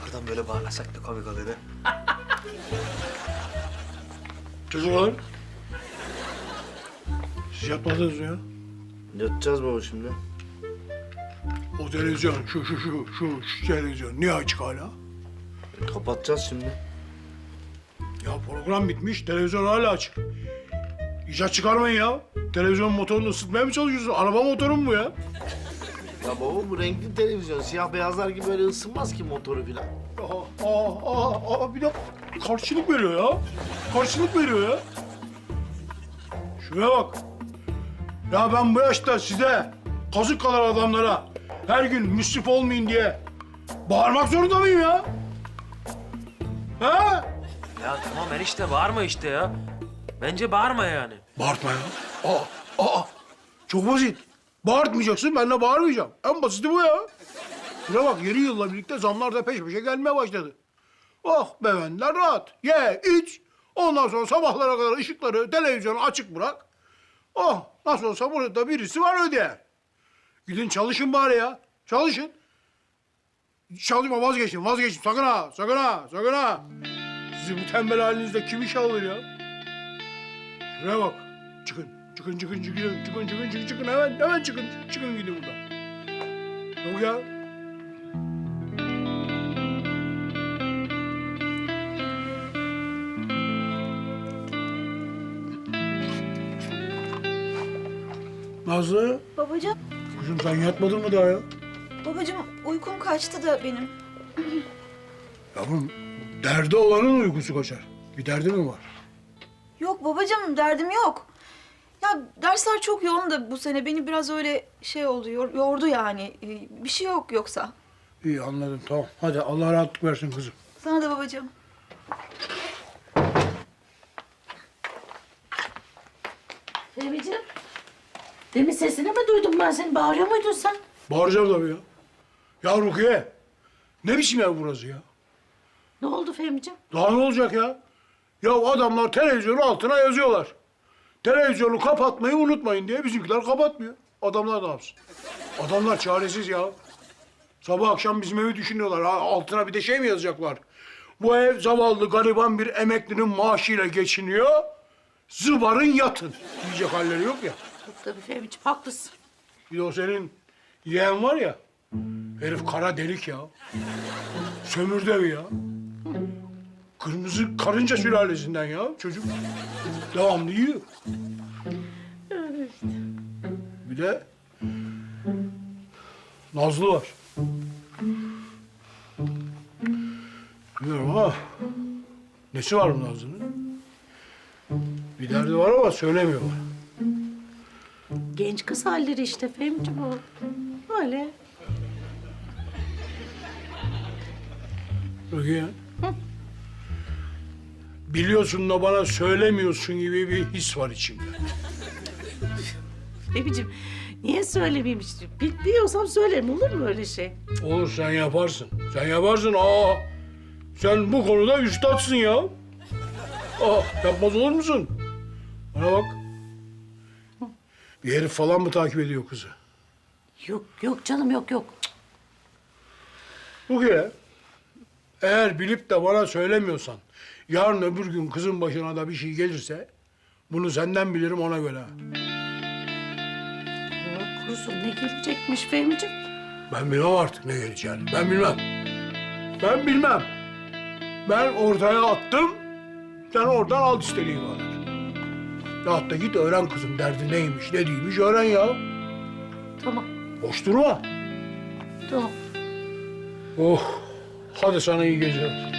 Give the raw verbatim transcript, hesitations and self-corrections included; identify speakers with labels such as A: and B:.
A: Arkadan böyle bağırsak da komik olur ha.
B: Çocuklar. Siz yatmadınız mı ya?
C: Yatacağız baba şimdi.
B: O televizyon, şu şu şu şu, şu televizyon niye açık hala?
C: Kapatacağız şimdi.
B: Ya program bitmiş, televizyon hala açık. İcat çıkarmayın ya. Televizyon motorunu ısıtmaya mı çalışıyorsun? Araba motoru mu bu ya?
C: Ya baba bu renkli televizyon. Siyah beyazlar gibi öyle ısınmaz ki motoru falan.
B: Aa, aa, aa, aa, bir de karşılık veriyor ya. Karşılık veriyor ya. Şuraya bak. Ya ben bu yaşta size, kazık kadar adamlara her gün müsrif olmayın diye bağırmak zorunda mıyım ya? Ha?
A: Ya tamam enişte bağırma işte ya. Bence bağırma yani.
B: Bağırtma ya. Aa, aa. Çok basit. Bağırtmayacaksın, ben de bağırmayacağım. En basiti bu ya. Şuna bak, yeni yılla birlikte zamlar da peş peşe gelmeye başladı. Oh beyefendiler rahat. Ye, iç. Ondan sonra sabahlara kadar ışıkları, televizyonu açık bırak. Oh, nasıl olsa burada birisi var ödeyen. Gidin çalışın bari ya. Çalışın. Çalışma, vazgeçin, vazgeçin. Sakın ha, sakın ha, sakın ha. Sizi bu tembel halinizde kim işe alır ya? Şuraya bak. Çıkın, çıkın, çıkın, çıkın, çıkın, çıkın, çıkın, çıkın. Hemen, hemen çıkın, çıkın gidin buradan. Yok ya. Nazlı,
D: Babacığım,
B: kızım sen yatmadın mı daha ya?
D: babacığım uykum kaçtı da benim.
B: Yavrum, derdi olanın uykusu kaçar. Bir derdi mi var?
D: Yok babacığım, derdim yok. Ya dersler çok yoğun da bu sene beni biraz öyle şey oldu, yor- yordu yani. Ee, Bir şey yok yoksa.
B: İyi anladım, tamam. Hadi Allah rahatlık versin kızım.
D: Sana da babacığım.
E: Fehmi'ciğim, demin sesini mi duydum ben seni? Bağırıyor muydun sen?
B: Bağıracağım tabii ya. Ya Rukiye, ne biçim ev burası ya?
E: Ne oldu Fehmi'ciğim?
B: Daha ne olacak ya? Ya adamlar televizyonun altına yazıyorlar. Televizyonu kapatmayı unutmayın diye bizimkiler kapatmıyor. Adamlar ne yapsın? Adamlar çaresiz ya. Sabah akşam bizim evi düşünüyorlar. Ha, altına bir de şey mi yazacaklar? Bu ev zavallı gariban bir emeklinin maaşıyla geçiniyor. Zıbarın yatın diyecek halleri yok ya.
E: Yok tabii Fehmi'ciğim, haklısın.
B: Bir de o senin yeğen var ya. Herif kara delik ya. Sömürdü evi ya. Kırmızı karınca sülalesinden ya çocuk. Devamlı yiyor. Bir de Nazlı var. Bilmiyorum ama nesi var bu Nazlı'nın? Bir derdi var ama söylemiyorlar.
E: Genç kız halleri işte Fehmi'ciğim o. Öyle.
B: Rukiye. Biliyorsun da bana söylemiyorsun gibi bir his var içimde.
E: Fehmi'ciğim, niye söylemeyeyim işte? Bil- Biliyorsam söylerim, olur mu öyle şey?
B: Olur sen yaparsın. Sen yaparsın. Aa, sen bu konuda üstadsın ya. Aa, yapmaz olur musun? Bana bak. Bir herif falan mı takip ediyor kızı?
E: Yok, yok canım, yok, yok. Cık.
B: Rukiye, eğer bilip de bana söylemiyorsan, yarın öbür gün kızın başına da bir şey gelirse, bunu senden bilirim ona göre.
E: Allah korusun, ne gelecekmiş Fehmi'ciğim?
B: Ben bilmem artık ne geleceğini. Ben bilmem. Ben bilmem. Ben ortaya attım, sen oradan al istediğin kadar. Ya da git öğren kızım derdi neymiş, ne değilmiş öğren ya.
E: Tamam,
B: Boş durma.
E: tamam.
B: Oh, hadi sana iyi geceler.